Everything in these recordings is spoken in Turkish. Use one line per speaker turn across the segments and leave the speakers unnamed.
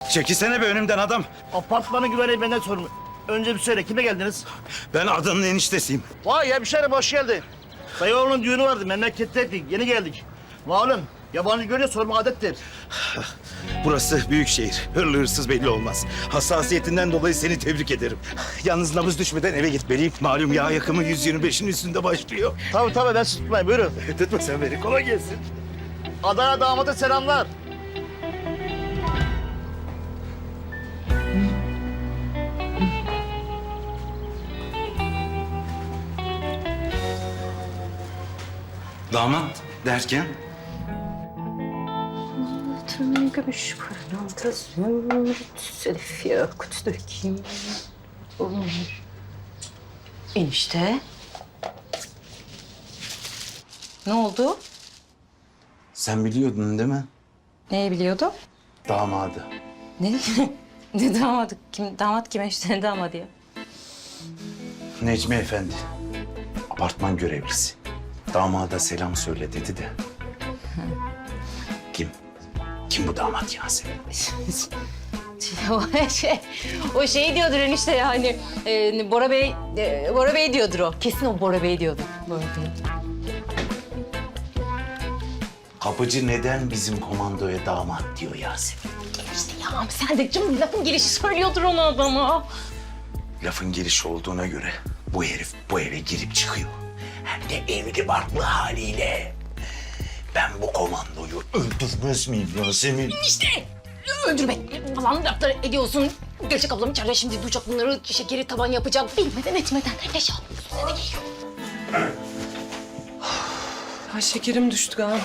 Çekilsene be önümden adam.
Apartmanın güvenliği benden sorumlu. Önce bir söyle, kime geldiniz?
Ben adanın eniştesiyim.
Vay hemşerim, hoş geldin. Dayı oğlunun düğünü vardı, memleketteydik, yeni geldik. Malum, yabancı görünce sorma adettir.
Burası büyük şehir. Hırlı hırsız belli olmaz. Hassasiyetinden dolayı seni tebrik ederim. Yalnız nabız düşmeden eve gitmeliyim. Malum yağ yakımı 125'in üstünde başlıyor.
Tabii ben sizi tutmayayım, buyurun.
Tutma sen beni. Kolay gelsin.
Adana damada selamlar.
Damat derken?
Gümüş pırlanta zümrüt selif yakut dökeyim. Olur. Enişte. Ne oldu?
Sen biliyordun değil mi?
Neyi biliyordu?
Damadı.
Ne? Ne damadı? Damat kim enişte? Ne damadı ya?
Necmi Efendi. Apartman görevlisi. Damada selam söyle dedi de. Kim? Kim bu damat Yasemin?
o şey diyordur enişte yani. Bora Bey diyordur o. Kesin o Bora Bey diyordur. Bora Bey.
Kapıcı neden bizim komandoya damat diyor Yasemin?
İşte ya sen de canım lafın gelişi söylüyordur onu adama.
Lafın gelişi olduğuna göre bu herif bu eve girip çıkıyor. Hem de evli barklı haliyle. Ben bu komandoyu öldürmez miyim Yasemin?
İşte öldürmek falan laflar ediyorsun. Gerçek ablam içeride şimdi duyacak bunları, şekeri taban yapacak. Bilmeden etmeden leş almıyorsun. Ne geliyor?
Ay şekerim düştü galiba.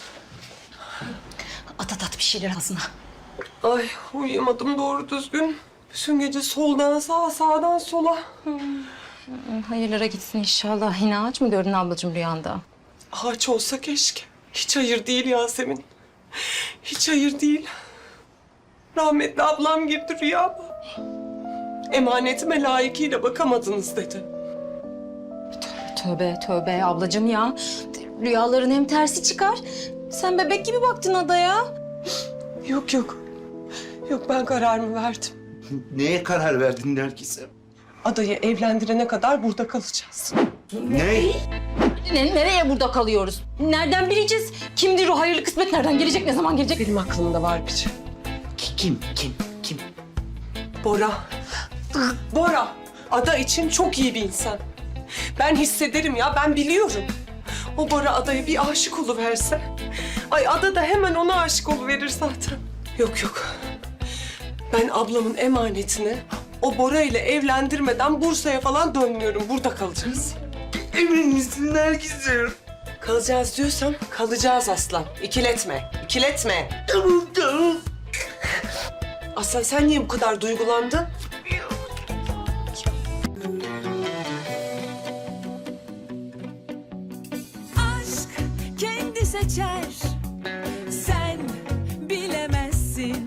At bir şeyler ağzına.
Ay uyuyamadım doğru düzgün. Bütün gece soldan sağa, sağdan sola.
Hayırlara gitsin inşallah. Yine ağaç mı gördün ablacığım rüyanda?
Ağaç olsa keşke. Hiç hayır değil Yasemin. Hiç hayır değil. Rahmetli ablam girdi rüyama. Emanetime layıkıyla bakamadınız dedi.
Tövbe ablacığım ya. Rüyaların hem tersi çıkar. Sen bebek gibi baktın adaya.
Yok. Yok ben kararımı verdim.
Neye karar verdin Nergis'e?
Adayı evlendirene kadar burada kalacağız.
Ne?
Nereye burada kalıyoruz? Nereden bileceğiz? Kimdir o hayırlı kısmet? Nereden gelecek? Ne zaman gelecek?
Benim aklımda var bir şey.
Kim?
Bora. Bora. Ada için çok iyi bir insan. Ben hissederim ya, ben biliyorum. O Bora adaya bir aşık oluverse... Ay Ada da hemen ona aşık oluverir zaten. Yok. Ben ablamın emanetini o Bora ile evlendirmeden Bursa'ya falan dönmüyorum. Burada kalacağız.
Emin misin Nergis'im?
Kalacağız diyorsam kalacağız aslan. İkiletme.
Tamam.
Aslan sen niye bu kadar duygulandın?
Aşk kendi seçer